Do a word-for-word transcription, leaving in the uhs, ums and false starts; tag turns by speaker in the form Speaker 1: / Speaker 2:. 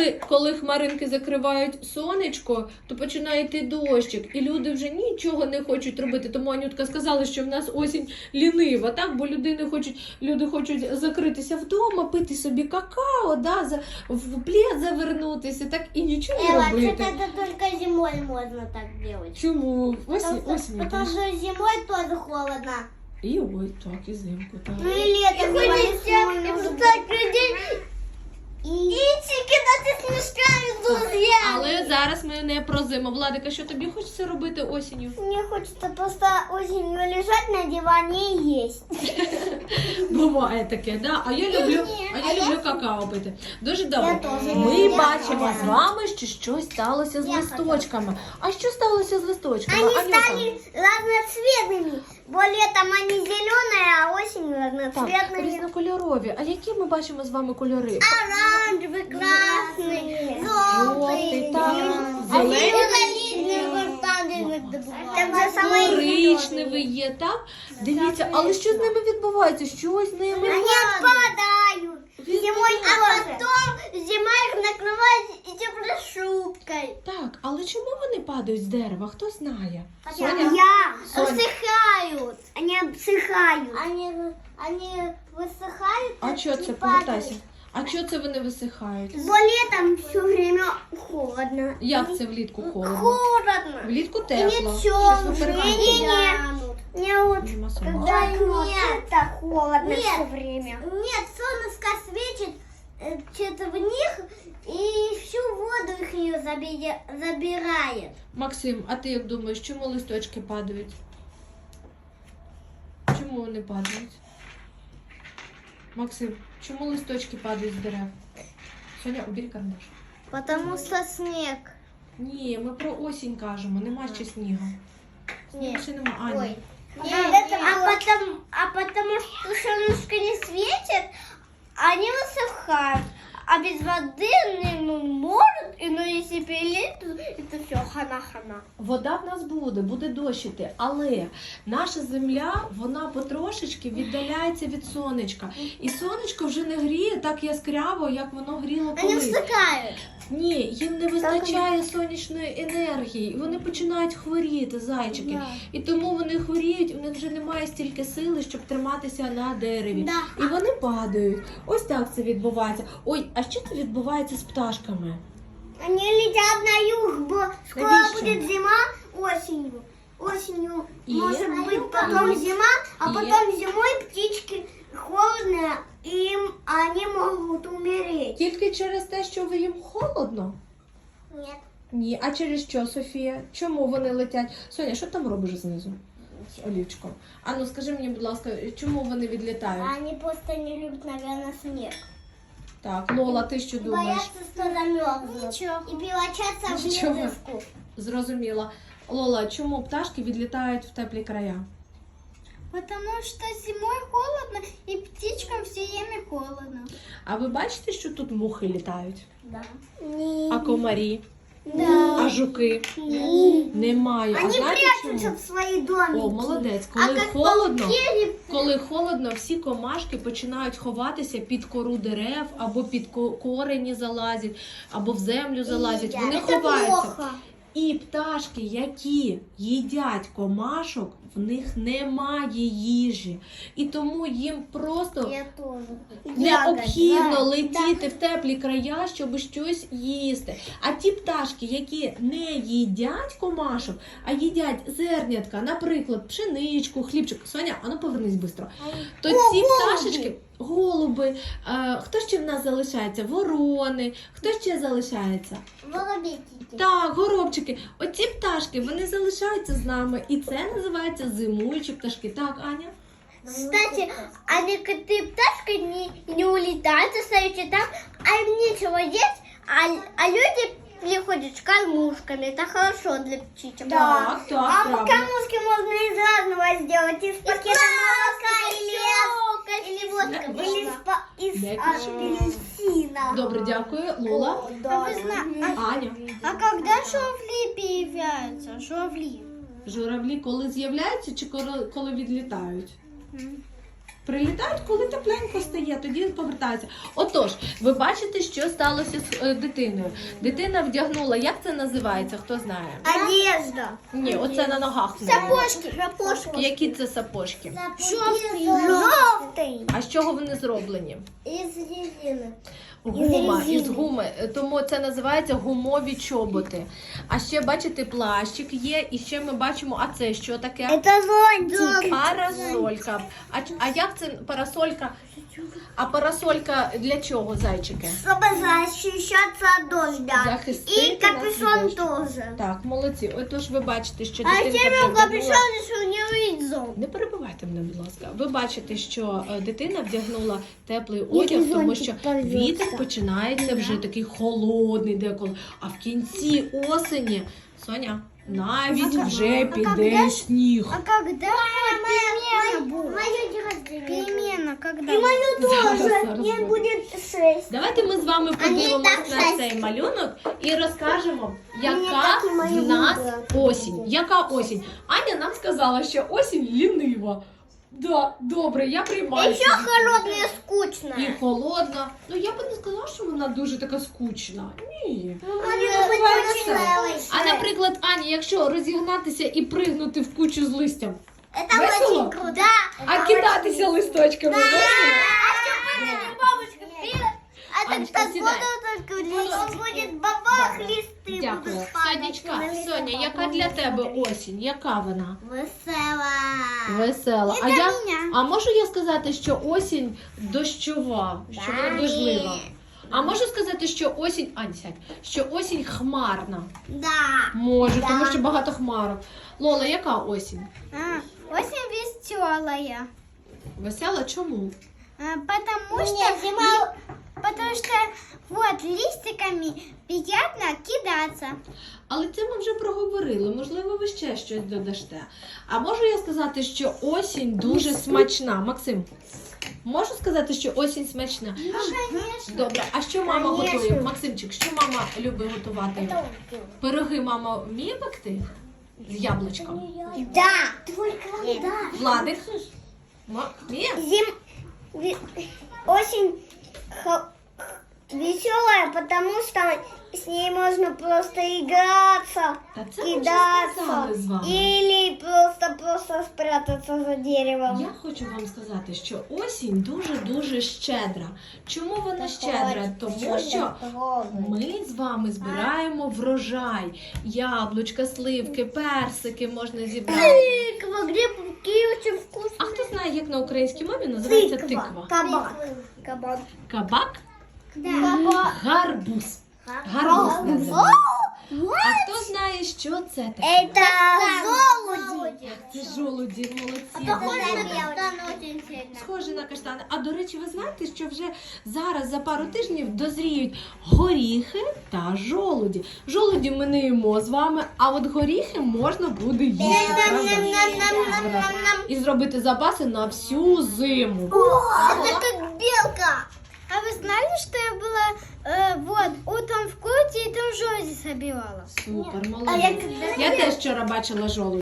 Speaker 1: коли, коли хмаринки закривають сонечко, то починає йти дощик. І люди вже нічого не хочуть робити. Тому Анютка сказала, що в нас осінь лінива, так? Бо люди хочуть, люди хочуть закритися вдома, пити собі какао, да? За, в плед завернутися, так? І нічого не
Speaker 2: Эва,
Speaker 1: робити.
Speaker 2: что-то это только зимой можно так делать.
Speaker 1: Чому? Осінь,
Speaker 2: Потому,
Speaker 1: осінь.
Speaker 2: потому что зимой тоже холодно.
Speaker 1: І ой, так, і зимку, так.
Speaker 2: Ну и летом. И ходить так людей. И кидать смешками, друзья.
Speaker 1: Але зараз ми не про зиму. Владика, що тобі хочеться робити осінню?
Speaker 2: Мне хочется просто осенью лежать на диване и есть.
Speaker 1: Буває таке, да? А я люблю, а я
Speaker 2: А я-
Speaker 1: люблю какао пити. Дуже добре.
Speaker 2: Я теж.
Speaker 1: Ми
Speaker 2: Я
Speaker 1: бачимо
Speaker 2: теж.
Speaker 1: з вами, що щось сталося з
Speaker 2: Я
Speaker 1: листочками. А що сталося з листочками?
Speaker 2: Они
Speaker 1: Анюта?
Speaker 2: стали разноцветными. Бо летом они зеленые, а осенью
Speaker 1: Так,
Speaker 2: разноцветные.
Speaker 1: різнокольорові. А які ми бачимо з вами кольори?
Speaker 2: Оранжевый, красный,
Speaker 1: Жовтий,
Speaker 2: желтый,
Speaker 1: так,
Speaker 2: зеленый.
Speaker 1: зелений.
Speaker 2: Там же самое
Speaker 1: Коричневий є, так? Дивіться, але що з ними відбувається? Що з ними?
Speaker 2: Они отпадают. Зимой, а потом зима их накрывает и теплошубкой.
Speaker 1: Так, але чому вони падають з дерева? Хто знає?
Speaker 2: Я.
Speaker 1: Соня.
Speaker 2: Высыхают. Они обсыхают. Они, они высыхают.
Speaker 1: А що це?
Speaker 2: и
Speaker 1: Повертайся.
Speaker 2: падают.
Speaker 1: А чого це вони висихають?
Speaker 2: Бо летом все время холодно.
Speaker 1: Як це влітку холодно?
Speaker 2: Холодно.
Speaker 1: Влітку
Speaker 2: И
Speaker 1: тепло.
Speaker 2: не
Speaker 1: Щось ви
Speaker 2: темно.
Speaker 1: перегадуєте.
Speaker 2: Не, не, не вот
Speaker 1: Нема сама.
Speaker 2: когда это холодно
Speaker 3: Нет.
Speaker 2: все время.
Speaker 3: Нет, солнышко светит э, что-то в них и всю воду их ее забирает.
Speaker 1: Максим, а ти як думаєш, чому листочки падають? Чому вони падають? Максим, чому листочки падають з дерев? Соня, убери карандаш.
Speaker 3: Потому что снег.
Speaker 1: Ні, ми про осінь кажемо, нема ще снігу. Снігу ще нема. Аня.
Speaker 3: Ой.
Speaker 2: А
Speaker 3: Не,
Speaker 2: это
Speaker 3: а, потом, а потому что солнышко не светит, они высыхают. А без воды они ну, может, и ну если перелить, то это все хана-хана.
Speaker 1: Вода в нас буде, буде дощити, але наша земля, вона потрошечки віддаляється від сонечка. І сонечко вже не гріє так яскраво, як воно гріло
Speaker 3: Они
Speaker 1: колись.
Speaker 3: высыхают.
Speaker 1: Ні, їм не вистачає сонячної енергії, і вони починають хворіти, зайчики.
Speaker 3: Да.
Speaker 1: І тому вони хворіють, у них вже немає стільки сили, щоб триматися на дереві.
Speaker 3: Да.
Speaker 1: І вони падають. Ось так це відбувається. Ой, а що це відбувається з пташками?
Speaker 2: Они летят на юг, бо скоро
Speaker 1: Навіщо?
Speaker 2: будет зима осенью. Осенью
Speaker 1: И?
Speaker 2: может быть потом зима, а
Speaker 1: И?
Speaker 2: потом зимой птички холодно, и им они могут умереть.
Speaker 1: Тільки через те, що ви їм холодно?
Speaker 2: Нет.
Speaker 1: Ні, а через що, Софія? Чому вони летять? Соня, що там робиш знизу? З олівчиком. А ну скажи мені, будь ласка, чому вони відлітають?
Speaker 2: Они просто не любят, наверное, снег.
Speaker 1: Так, Лола, ти що думаєш?
Speaker 2: Боятся, что замерзнут.
Speaker 3: Ничего.
Speaker 2: И превратятся в
Speaker 1: Ничего.
Speaker 2: ледышку.
Speaker 1: Зрозуміла. Лола, чому пташки відлітають в теплі края?
Speaker 3: Потому что зимой холодно, и птичкам все время холодно.
Speaker 1: А ви бачите, що тут мухи літають?
Speaker 2: Да.
Speaker 1: А комарі?
Speaker 2: Да.
Speaker 1: А жуки? Немає. А
Speaker 2: Они
Speaker 1: знаєте
Speaker 2: прячутся
Speaker 1: чому?
Speaker 2: в свои домики.
Speaker 1: О, молодець.
Speaker 2: А
Speaker 1: Коли
Speaker 2: как
Speaker 1: холодно,
Speaker 2: пауки,
Speaker 1: коли холодно, всі комашки починають ховатися під кору дерев, або під ко- корені залазять, або в землю залазять. Вони
Speaker 2: это
Speaker 1: ховаються.
Speaker 2: плохо.
Speaker 1: І пташки, які їдять комашок, в них немає їжі. І тому їм просто
Speaker 2: Я тоже.
Speaker 1: необхідно летіти в теплі края, щоб щось їсти. А ті пташки, які не їдять комашок, а їдять зернятка, наприклад, пшеничку, хлібчик. Соня, а ну повернись швидко. То ці
Speaker 2: голуби.
Speaker 1: пташечки, голуби, е, хто ще в нас залишається? Ворони, хто ще залишається?
Speaker 2: Воробейки.
Speaker 1: Так, горобчики. Оці пташки, вони залишаються з нами. І це називається зимуючі пташки. Так, Аня?
Speaker 2: Кстати, а некоторые пташки не, не улетают, остаются там, а им нечего есть, а, а люди приходят с кормушками. Это хорошо для птичек.
Speaker 1: Так, так,
Speaker 2: А
Speaker 1: правда.
Speaker 2: кормушки можно из разного сделать. Из пакета молока или, или, вот, или из, па- из
Speaker 1: Не
Speaker 2: а,
Speaker 1: кричи.
Speaker 2: апельсина.
Speaker 1: Добре, дякую. Лола?
Speaker 2: Да.
Speaker 3: А вы зна-
Speaker 1: Аня?
Speaker 3: А когда журавли появляются? Журавли.
Speaker 1: Журавлі коли з'являються чи коли, коли відлітають? Прилітають, коли тепленько стає, тоді повертаються. Отож, ви бачите, що сталося з е, дитиною. Дитина вдягнула, як це називається, хто знає?
Speaker 2: Одежда.
Speaker 1: Ні, оце на ногах. в неї.
Speaker 2: Сапожки. Сапожки.
Speaker 1: Які це сапожки?
Speaker 2: Жовтий. Жовтий.
Speaker 1: А з чого вони зроблені?
Speaker 2: Із резини.
Speaker 1: Гума,
Speaker 2: резини.
Speaker 1: із гуми. Тому це називається гумові чоботи. А ще, бачите, плащик є, і ще ми бачимо, а це що таке?
Speaker 2: Это зонтик.
Speaker 1: Парасолька. А, ч- а як це парасолька? А парасолька для чого, зайчики?
Speaker 2: Чтобы защищаться от дождя.
Speaker 1: Захистити
Speaker 2: И
Speaker 1: нас від
Speaker 2: капюшон
Speaker 1: дощу.
Speaker 2: тоже.
Speaker 1: Так, молодці. Отож ви бачите, що
Speaker 2: А
Speaker 1: дитинка
Speaker 2: ще
Speaker 1: вже
Speaker 2: беру
Speaker 1: вдягнула-
Speaker 2: капюшон, що не видно зонт.
Speaker 1: Не перебивайте мене, будь ласка. Ви бачите, що е, дитина вдягнула теплий одяг, тому що вітер починається вже такий холодний деколи. А в кінці осені, Соня, навіть вже піде сніг.
Speaker 2: А когда перемена будет? Мое день рождения. Перемена когда? И мою
Speaker 1: Зараз,
Speaker 2: тоже.
Speaker 1: зараз
Speaker 2: Мне
Speaker 1: буде.
Speaker 2: будет шесть.
Speaker 1: Давайте ми з вами подивимось
Speaker 2: так
Speaker 1: на
Speaker 2: щастя.
Speaker 1: цей малюнок і розкажемо,
Speaker 2: Мені
Speaker 1: яка
Speaker 2: так і мої
Speaker 1: в нас
Speaker 2: вибрати.
Speaker 1: осінь. Яка осінь? Аня нам сказала, що осінь лінива. Да, добре, я приймаю.
Speaker 2: Еще
Speaker 1: цю
Speaker 2: холодная,
Speaker 1: І
Speaker 2: скучная.
Speaker 1: холодна. Ну я би не сказала, що вона дуже така скучна. Ні.
Speaker 2: Может быть,
Speaker 1: буває
Speaker 2: очень
Speaker 1: весело.
Speaker 2: веселая.
Speaker 1: А наприклад, Аня, якщо розігнатися і пригнути в кучу з листям,
Speaker 2: Это
Speaker 1: весело?
Speaker 2: очень круто. Да.
Speaker 1: а кидатися листочками, весело?
Speaker 2: Бабушка, вперед. А так
Speaker 1: Анечка,
Speaker 2: так
Speaker 1: сідай.
Speaker 2: буду только лист. Он будет бабах, листы
Speaker 1: Дякую.
Speaker 2: будут падать.
Speaker 1: Сонечка, Соня, яка для тебе осінь? Яка вона?
Speaker 2: Весела.
Speaker 1: Весела.
Speaker 2: І
Speaker 1: А
Speaker 2: для
Speaker 1: я
Speaker 2: мене.
Speaker 1: а можу я сказати, що осінь дощова, що вона
Speaker 2: Да,
Speaker 1: дождлива?
Speaker 2: ні.
Speaker 1: А можу сказати, що осінь, Ань, сядь, що осінь хмарна.
Speaker 2: Да.
Speaker 1: Можу,
Speaker 2: Да.
Speaker 1: тому що багато хмарок. Лола, яка осінь?
Speaker 3: А, очень веселая.
Speaker 1: Весела чому?
Speaker 3: А, Потому
Speaker 2: Мне
Speaker 3: что,
Speaker 2: зима-
Speaker 3: потому что вот листиками приятно кидаться.
Speaker 1: Але це ми вже проговорили. Можливо, ви ще щось додасте. А можу я сказати, що осінь дуже смачна. Максим, можу сказати, що осінь смачна? Добре, а що мама
Speaker 2: Конечно.
Speaker 1: готує? Максимчик, що мама любить готувати? Пироги мама вміє пекти? З яблучком?
Speaker 2: Да. Только да.
Speaker 1: Владик? Ма- Вміє?
Speaker 2: Зим... ви- Осень веселая, потому что с ней можно просто играться,
Speaker 1: Та це ми вже
Speaker 2: кидаться
Speaker 1: сказали з вами.
Speaker 2: или просто-просто спрятаться за деревом.
Speaker 1: Я хочу вам сказати, що осінь дуже-дуже щедра. Чому вона щедра? Тому що ми з вами збираємо врожай. Яблучка, сливки, персики можна зібрати.
Speaker 2: Тыква, грибки очень вкусные.
Speaker 1: А хто знає, як на українській мові називається тиква?
Speaker 2: Кабак. Кабак.
Speaker 1: Кабак?
Speaker 2: Кабак.
Speaker 1: Гарбуз. Гарбуз називається. А хто знає, що це таке?
Speaker 2: Это золоди.
Speaker 1: Це жолуді, молодці. Схоже на каштани. А до речі, ви знаєте, що вже зараз за пару тижнів дозріють горіхи та жолуді. Жолуді ми не їмо з вами, а от горіхи можна буде їсти. правда? І зробити запаси на всю зиму.
Speaker 2: Это как белка.
Speaker 3: А вы знали, что я была э, вот утром в круте и там жози собирала?
Speaker 1: Супер,
Speaker 2: А я
Speaker 1: молодець.
Speaker 2: когда-
Speaker 1: Я теж вчора бачила жолуді.